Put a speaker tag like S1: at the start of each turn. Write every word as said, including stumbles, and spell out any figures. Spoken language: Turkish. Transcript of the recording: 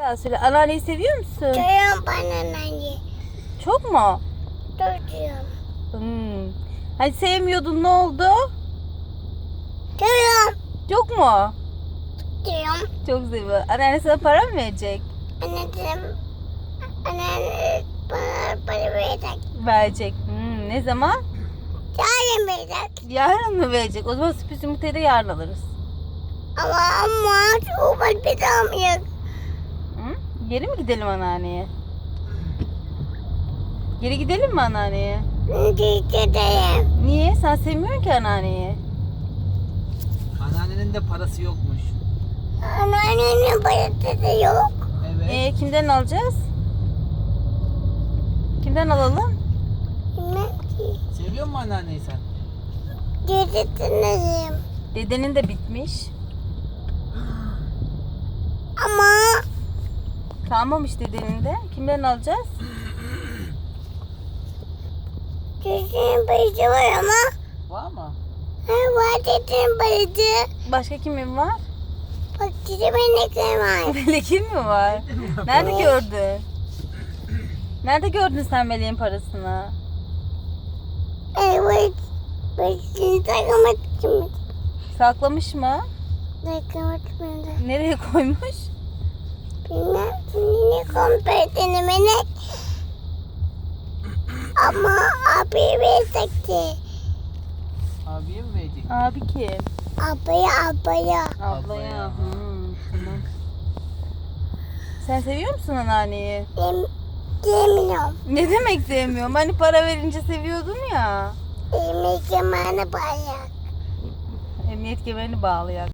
S1: Daha söyle. Anneanneyi seviyor musun?
S2: Çocuğum bana anne.
S1: Çok mu?
S2: Çocuğum.
S1: Hmm. Hani sevmiyordun, ne oldu?
S2: Çocuğum.
S1: Yok mu?
S2: Çocuğum.
S1: Çok seviyor. Anneanne sana para mı verecek?
S2: Anneciğim. Anne bana para verecek.
S1: Verecek. Hmm, ne zaman?
S2: Yarın verecek.
S1: Yarın mı verecek? O zaman sürpriz yumurtayı da yarın alırız.
S2: Ama ama çok var bir daha yok.
S1: Hı? Geri mi gidelim anneanneye? Geri gidelim mi anneanneye?
S2: Gidelim.
S1: Niye? Sen sevmiyorsun ki anneanneyi.
S3: Anneannenin de parası yokmuş.
S2: Anneannemin parası da yok.
S3: Evet.
S1: Ee, kimden alacağız? Kimden alalım?
S2: Bilmem ki.
S3: Seviyor musun anneanneyi sen?
S2: Gidelim.
S1: Dedenin de bitmiş.
S2: Ama
S1: Kalmamış dedenin de. Kimden alacağız?
S2: çocuğun parası var ama
S3: Var mı?
S2: ha, var çocuğun parası.
S1: Başka kimin var?
S2: Bak çocuğun ne var.
S1: Melek'in mi var? Nerede gördün? Nerede gördün sen Melek'in parasını?
S2: Evet. Başını takmak için.
S1: Saklamış mı?
S2: Takmak için.
S1: Nereye koymuş?
S2: Bilmem ne kompet denemenek. Ama abi verecekti.
S3: Abiye mi verecek?
S1: Abi kim?
S2: Abaya abaya.
S1: Ablaya.
S3: Ablaya.
S1: Hmm, tamam. Sen seviyor musun anneanneyi?
S2: Dem demiyorum.
S1: Ne demek sevmiyorum? Hani para verince seviyordun ya.
S2: Yemek zamanı bayağı.
S1: Emniyet kemerini bağlayak.